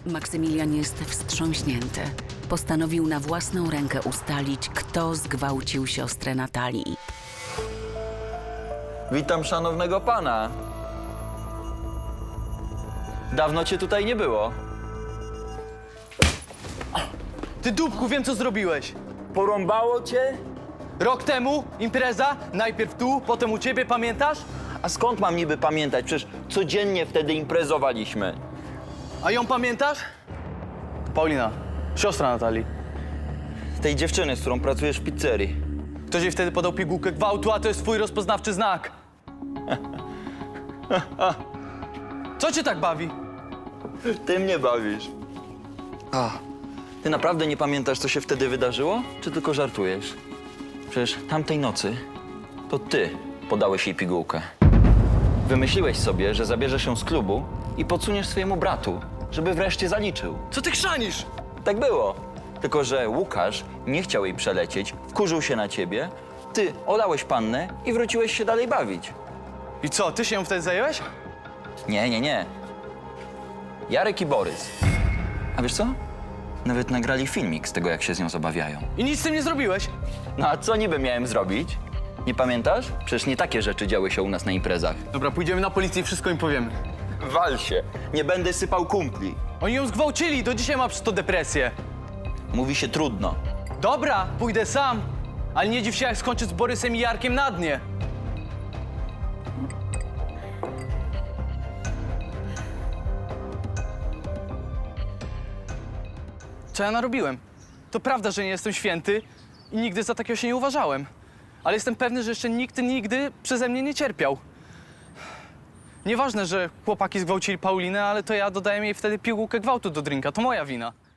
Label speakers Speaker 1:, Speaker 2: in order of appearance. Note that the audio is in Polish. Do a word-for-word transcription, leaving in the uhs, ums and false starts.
Speaker 1: Maksymilian jest wstrząśnięty. Postanowił na własną rękę ustalić, kto zgwałcił siostrę Natalii.
Speaker 2: Witam szanownego pana. Dawno cię tutaj nie było.
Speaker 3: Ty dupku, wiem co zrobiłeś.
Speaker 2: Porąbało cię?
Speaker 3: Rok temu impreza, najpierw tu, potem u ciebie, pamiętasz?
Speaker 2: A skąd mam niby pamiętać? Przecież codziennie wtedy imprezowaliśmy.
Speaker 3: A ją pamiętasz? Paulina, siostra Natalii.
Speaker 2: Tej dziewczyny, z którą pracujesz w pizzerii.
Speaker 3: Ktoś jej wtedy podał pigułkę gwałtu, a to jest twój rozpoznawczy znak. Co cię tak bawi?
Speaker 2: Ty mnie bawisz. A, ty naprawdę nie pamiętasz, co się wtedy wydarzyło? Czy tylko żartujesz? Przecież tamtej nocy to ty podałeś jej pigułkę. Wymyśliłeś sobie, że zabierzesz ją z klubu i podsuniesz swojemu bratu, żeby wreszcie zaliczył.
Speaker 3: Co ty chrzanisz?
Speaker 2: Tak było. Tylko że Łukasz nie chciał jej przelecieć, wkurzył się na ciebie, ty olałeś pannę i wróciłeś się dalej bawić.
Speaker 3: I co, ty się ją wtedy zająłeś?
Speaker 2: Nie, nie, nie. Jarek i Borys. A wiesz co? Nawet nagrali filmik z tego, jak się z nią zabawiają.
Speaker 3: I nic z tym nie zrobiłeś?
Speaker 2: No a co niby miałem zrobić? Nie pamiętasz? Przecież nie takie rzeczy działy się u nas na imprezach.
Speaker 3: Dobra, pójdziemy na policję i wszystko im powiemy.
Speaker 2: Wal się. Nie będę sypał kumpli.
Speaker 3: Oni ją zgwałcili, do dzisiaj ma przez to depresję.
Speaker 2: Mówi się trudno.
Speaker 3: Dobra, pójdę sam. Ale nie dziw się, jak skończę z Borysem i Jarkiem na dnie. Co ja narobiłem? To prawda, że nie jestem święty i nigdy za takiego się nie uważałem. Ale jestem pewny, że jeszcze nikt nigdy przeze mnie nie cierpiał. Nieważne, że chłopaki zgwałcili Paulinę, ale to ja dodałem jej wtedy pigułkę gwałtu do drinka. To moja wina.